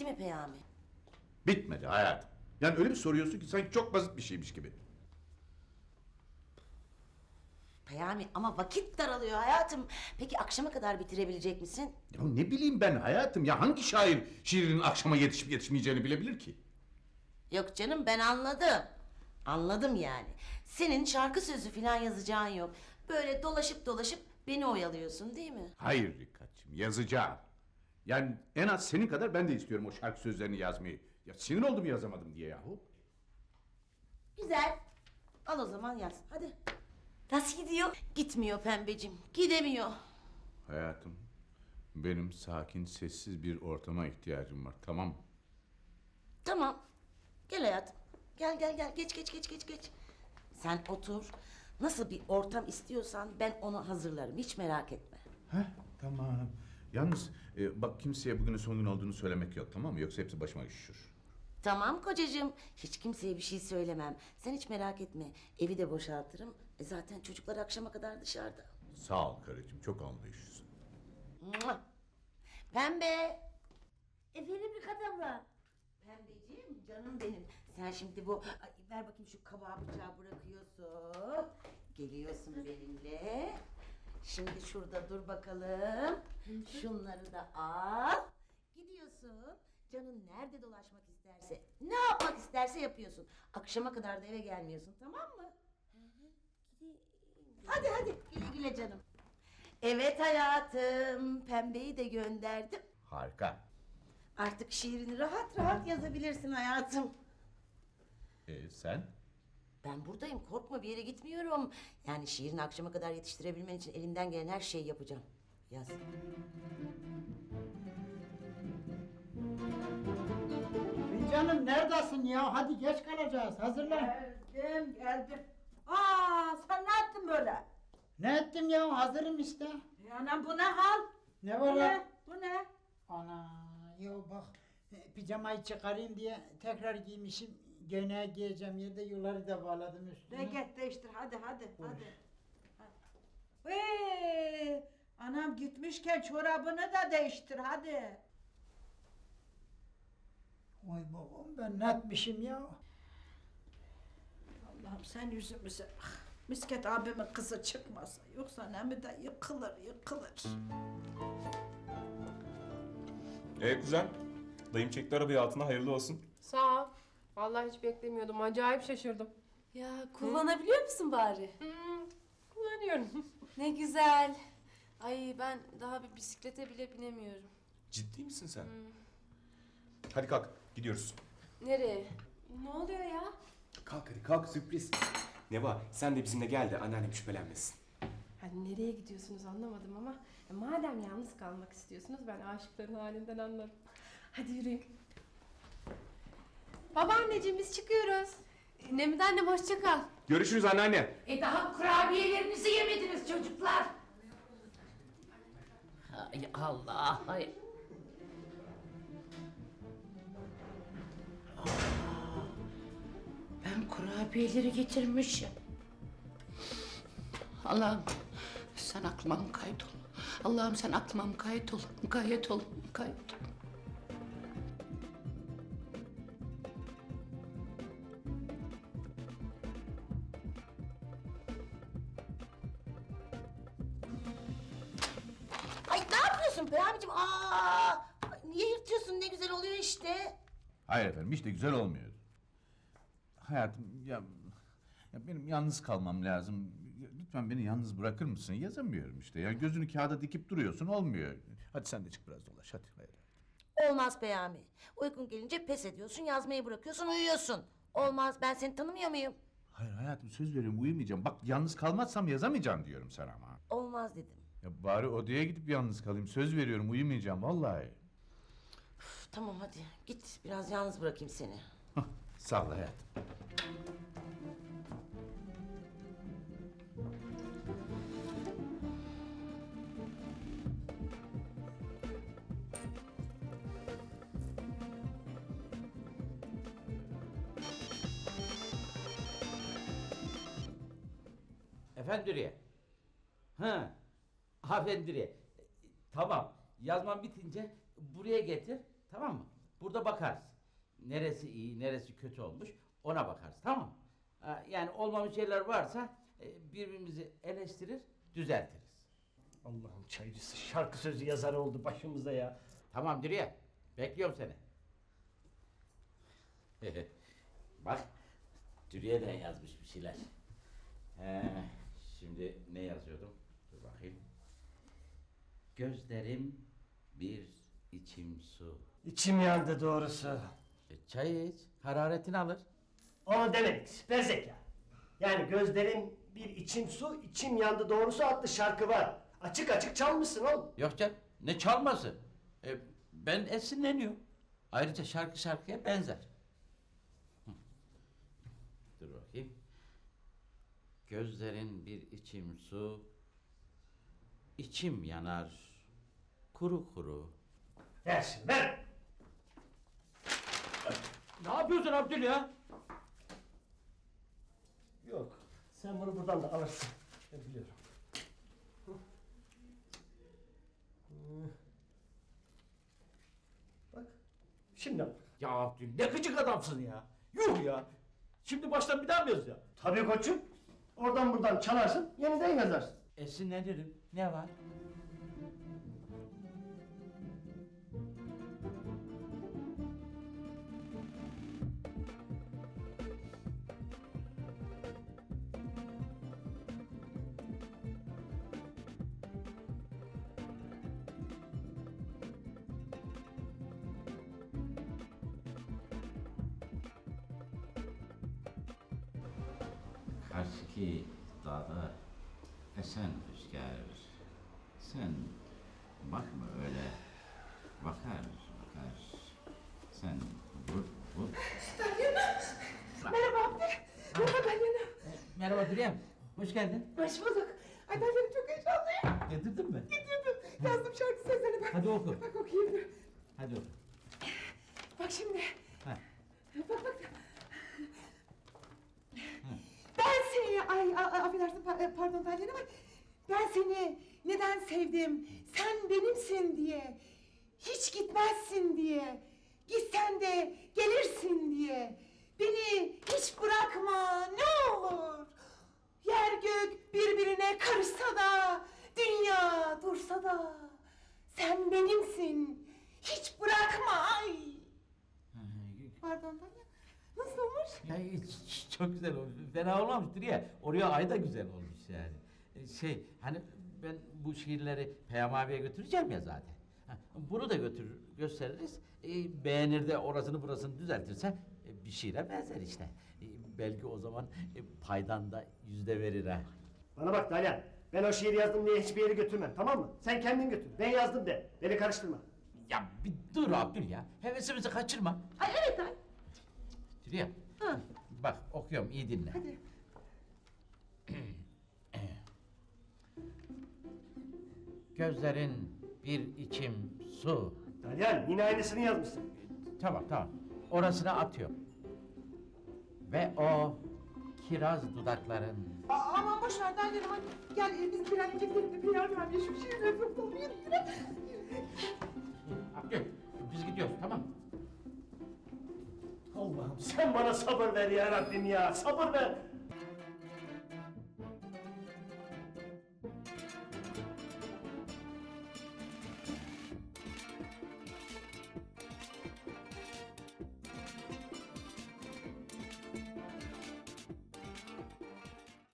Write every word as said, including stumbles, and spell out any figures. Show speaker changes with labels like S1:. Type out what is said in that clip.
S1: Bitti mi Peyami?
S2: Bitmedi hayatım. Yani öyle bir soruyorsun ki sanki çok basit bir şeymiş gibi.
S1: Peyami ama vakit daralıyor hayatım. Peki akşama kadar bitirebilecek misin?
S2: Ya ne bileyim ben hayatım ya hangi şair şiirinin akşama yetişip yetişmeyeceğini bilebilir ki?
S1: Yok canım ben anladım. Anladım yani. Senin şarkı sözü falan yazacağın yok. Böyle dolaşıp dolaşıp beni oyalıyorsun değil mi?
S2: Hayır Rikat'cığım yazacağım. Yani en az senin kadar ben de istiyorum o şarkı sözlerini yazmayı. Ya sinir oldum yazamadım diye yahu.
S1: Güzel. Al o zaman yaz. Hadi. Nasıl gidiyor? Gitmiyor pembecim. Gidemiyor.
S2: Hayatım benim sakin sessiz bir ortama ihtiyacım var tamam mı?
S1: Tamam. Gel hayatım. Gel gel gel. Geç geç geç geç geç. Sen otur. Nasıl bir ortam istiyorsan ben onu hazırlarım. Hiç merak etme.
S2: Heh tamam. Yalnız e, bak kimseye bugünün son gün olduğunu söylemek yok tamam mı? Yoksa hepsi başıma üşüşür.
S1: Tamam kocacığım. Hiç kimseye bir şey söylemem. Sen hiç merak etme. Evi de boşaltırım. E zaten çocuklar akşama kadar dışarıda.
S2: Sağ ol karıcığım çok anlayışlısın.
S1: Mua! Pembe. Efendim Rıkat abla. Pembeciğim canım benim. Sen şimdi bu ay, ver bakayım şu kabağı bıçağı bırakıyorsun. Geliyorsun benimle. Şimdi şurada dur bakalım. Şunları da al. Gidiyorsun. Canın nerede dolaşmak isterse, ne yapmak isterse yapıyorsun. Akşama kadar da eve gelmiyorsun tamam mı? Hadi hadi güle güle canım. Evet hayatım, Pembe'yi de gönderdim.
S2: Harika.
S1: Artık şiirini rahat rahat yazabilirsin hayatım.
S2: E, sen?
S1: Ben buradayım, korkma bir yere gitmiyorum. Yani şiirini akşama kadar yetiştirebilmen için elimden gelen her şeyi yapacağım. Yaz.
S3: Canım neredesin ya? Hadi geç kalacağız. Hazırlan.
S4: Geldim, geldim. Aa, sen ne yaptın böyle?
S3: Ne ettim ya? Hazırım işte.
S4: Ya anam bu ne hal?
S3: Ne
S4: Bu
S3: var
S4: ne?
S3: lan?
S4: Bu ne?
S3: Ana ya bak e, pijamayı çıkarayım diye tekrar giymişim. Göğneği giyeceğim yerde yuları da bağladım üstüne.
S4: De git değiştir hadi hadi hadi. Vee, anam gitmişken çorabını da değiştir hadi.
S3: Oy babam ben ne etmişim ya?
S4: Allah'ım sen yüzümüze bak. Misket abimin kızı çıkmasa yoksa Nemi de yıkılır yıkılır.
S5: Ee kuzen, dayım çekti arabayı altına hayırlı olsun.
S6: Sağ ol. Vallahi hiç beklemiyordum. Acayip şaşırdım.
S7: Ya kullanabiliyor musun bari?
S6: Hmm, kullanıyorum.
S7: Ne güzel. Ay ben daha bir bisiklete bile binemiyorum.
S5: Ciddi misin sen? Hadi kalk, gidiyoruz.
S7: Nereye? Ne oluyor ya?
S5: Kalk hadi kalk, sürpriz. Neva, sen de bizimle gel de anneannem şüphelenmesin.
S6: Hani nereye gidiyorsunuz anlamadım ama ya madem yalnız kalmak istiyorsunuz ben aşıkların halinden anlarım. Hadi yürüyün. Babaanneciğim biz çıkıyoruz.
S7: Nemide annem hoşça kal.
S5: Görüşürüz anneanne.
S8: E daha kurabiyelerinizi yemediniz çocuklar. Hay Allah hay. Aa, ben kurabiyeleri getirmişim. Allah'ım sen aklıma mukayyet ol. Allah'ım sen aklıma mukayyet ol. Mukayyet ol. Mukayyet ol.
S1: Ay ne yapıyorsun Peyami'cim? Aa, ay, niye yırtıyorsun? Ne güzel oluyor işte.
S2: Hayır efendim hiç de güzel olmuyor. Hayatım ya, ya benim yalnız kalmam lazım. Lütfen beni yalnız bırakır mısın? Yazamıyorum işte. Ya gözünü kağıda dikip duruyorsun olmuyor. Hadi sen de çık biraz dolaş hadi. Hayır.
S1: Olmaz Peyami. Uykun gelince pes ediyorsun, yazmayı bırakıyorsun, uyuyorsun. Olmaz, ben seni tanımıyor muyum?
S2: Hayır hayatım söz veriyorum uyumayacağım. Bak yalnız kalmazsam yazamayacağım diyorum sana ama.
S1: Olmaz dedim.
S2: Ya bari odaya gidip yalnız kalayım. Söz veriyorum uyumayacağım vallahi.
S1: Üf, tamam hadi git, biraz yalnız bırakayım seni.
S2: Hah, sağ ol hayatım.
S9: Efendiriye. Ha. Efendiriye. Tamam. Yazman bitince buraya getir. Tamam mı? Burada bakarız. Neresi iyi, neresi kötü olmuş ona bakarız, tamam mı? Ha, yani olmamış şeyler varsa e, birbirimizi eleştirir, düzeltiriz.
S10: Allah'ım çaycısı şarkı sözü yazarı oldu başımıza ya.
S9: Tamam Dürüye, bekliyorum seni. Bak, Dürüye de yazmış bir şeyler. He, şimdi ne yazıyordum? Dur bakayım. Gözlerim bir içim su.
S10: İçim yandı doğrusu.
S9: E, çay iç, hararetini alır.
S10: Onu demedik, süper zeka. Yani gözlerim bir içim su, içim yandı doğrusu adlı şarkı var. Açık açık çalmışsın oğlum.
S9: Yok canım, ne çalması? E, ben esinleniyorum. Ayrıca şarkı şarkıya benzer. Hı. Dur bakayım. Gözlerin bir içim su, içim yanar, kuru kuru.
S10: Versin, ver.
S9: Ne yapıyorsun Abdül ya?
S10: Yok, sen bunu buradan da alırsın. Ben biliyorum. Hı. Hı. Bak, şimdi bak.
S9: Ya Abdül ne gıcık adamsın ya. Yuh ya. Şimdi baştan bir daha mı yazacağım?
S10: Tabii koçum. Oradan buradan çalarsın, yeniden yazarsın.
S9: Esinlenirim. Ne var? Karşıki dağda esen rüzgar, sen bakma öyle, bakar bakar, sen vur vur.
S4: Merhaba Abdül. Merhaba Dalyan'ım.
S9: Merhaba Dürüyem, hoş geldin.
S4: Hoş bulduk. Ay Dalyan'ım çok heyecanlıyım.
S9: Getirdin mi?
S4: Getirdim. Yazdım şarkı sözlerini bak.
S9: Hadi oku.
S4: Bak okuyayım dur.
S9: Hadi oku.
S4: Bak şimdi.
S9: Ha.
S4: Bak bak. Ben seni, ay a- a- affedersin pa- pardon Dalyan ama ben seni neden sevdim? Sen benimsin diye. Hiç gitmezsin diye. Gitsen de gelirsin diye. Beni hiç bırakma ne olur. Yer gök birbirine karışsa da, dünya dursa da sen benimsin. Hiç bırakma ay. Pardon Dalyan. Nasıl olmuş?
S9: Ya hiç- çok güzel olmuş. Fena olmamıştır ya. Oraya ay da güzel olmuş yani. E, Şey hani ben bu şiirleri Peyami abiye götüreceğim ya zaten. Ha, bunu da götürür gösteririz. E, beğenir de orasını burasını düzeltirse e, bir şiire benzer işte. E, belki o zaman e, paydan da yüzde verir ha.
S10: Bana bak Dalyan, ben o şiiri yazdım diye hiçbir yere götürmem, tamam mı? Sen kendin götür, ben yazdım de, beni karıştırma.
S9: Ya bir dur Abdül ya. Hevesimizi kaçırma.
S4: Ay evet ay.
S9: Dürüye.
S4: Ha.
S9: Bak okuyorum iyi dinle.
S4: Hadi.
S9: Gözlerin bir içim su.
S10: Dalyan, yine aynısını yazmışsın.
S9: Tamam tamam. Orasını atıyorum. Ve o kiraz dudakların.
S4: Aa, aman boş ver Dalyan'ım hadi. Gel e, biz bir an önce gidelim de bir yardım ver. Şu şiirleri tutalım yürü yürü.
S9: Abdül biz gidiyoruz tamam mı?
S10: Allah'ım sen bana sabır ver ya Rabbim ya, sabır ver.